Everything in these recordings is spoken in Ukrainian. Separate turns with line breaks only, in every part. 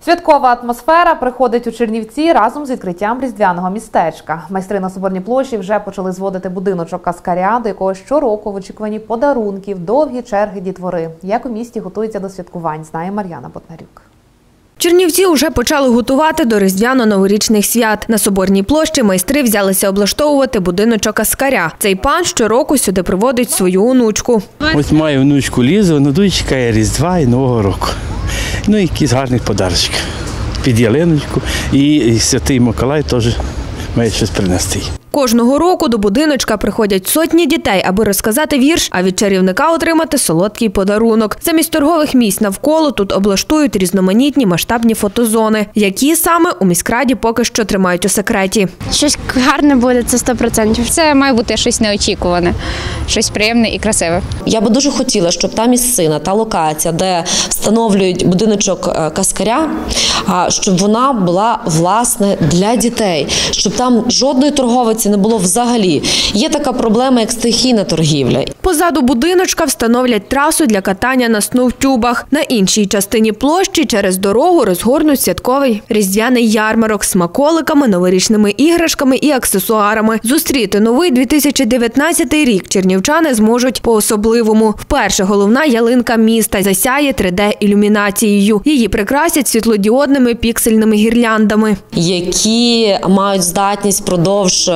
Святкова атмосфера приходить у Чернівці разом з відкриттям різдвяного містечка. Майстри на Соборній площі вже почали зводити будиночок Каскаря, до якого щороку в очікуванні подарунків, довгі черги дітвори. Як у місті готуються до святкувань, знає Мар'яна Ботнарюк.
Чернівці вже почали готувати до різдвяно-новорічних свят. На Соборній площі майстри взялися облаштовувати будиночок Каскаря. Цей пан щороку сюди приводить свою онучку.
Ось маю внучку Лізу, вона дуже чекає Різдва і Нового року. Ну і якісь гарні подарунки під ялиночку. І Святий Миколай теж має щось принести.
Кожного року до будиночка приходять сотні дітей, аби розказати вірш, а від чарівника отримати солодкий подарунок. Замість торгових місць навколо тут облаштують різноманітні масштабні фотозони, які саме у міськраді поки що тримають у секреті.
Щось гарне буде, це 100%.
Це має бути щось неочікуване, щось приємне і красиве.
Я би дуже хотіла, щоб та місцина, та локація, де встановлюють будиночок Каскаря, щоб вона була, власне, для дітей, щоб там жодної торговиці не було взагалі. Є така проблема, як стихійна торгівля.
Позаду будиночка встановлять трасу для катання на сноутюбах. На іншій частині площі через дорогу розгорнуть святковий різдвяний ярмарок з смаколиками, новорічними іграшками і аксесуарами. Зустріти новий 2019 рік чернівчани зможуть по-особливому. Вперше головна ялинка міста засяє 3D-ілюмінацією. Її прикрасять світлодіодними піксельними гірляндами,
які мають здатність впродовж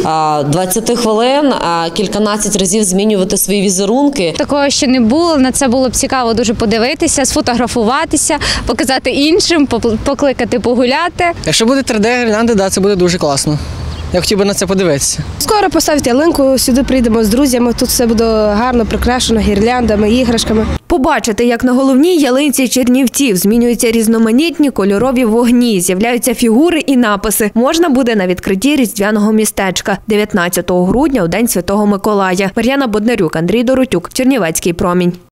20 хвилин кільканадцять разів змінювати свої візерунки.
Такого ще не було, на це було б цікаво дуже подивитися, сфотографуватися, показати іншим, покликати погуляти.
Якщо буде 3D-гірлянди, це буде дуже класно. Я хотів би на це подивитися.
Скоро поставити ялинку, сюди прийдемо з друзями, тут все буде гарно прикрашено гірляндами, іграшками.
Побачити, як на головній ялинці Чернівців змінюються різноманітні кольорові вогні, з'являються фігури і написи, можна буде на відкритті різдвяного містечка 19 грудня у День Святого Миколая. Мар'яна Ботнарюк, Андрій Доротюк, Чернівецький промінь.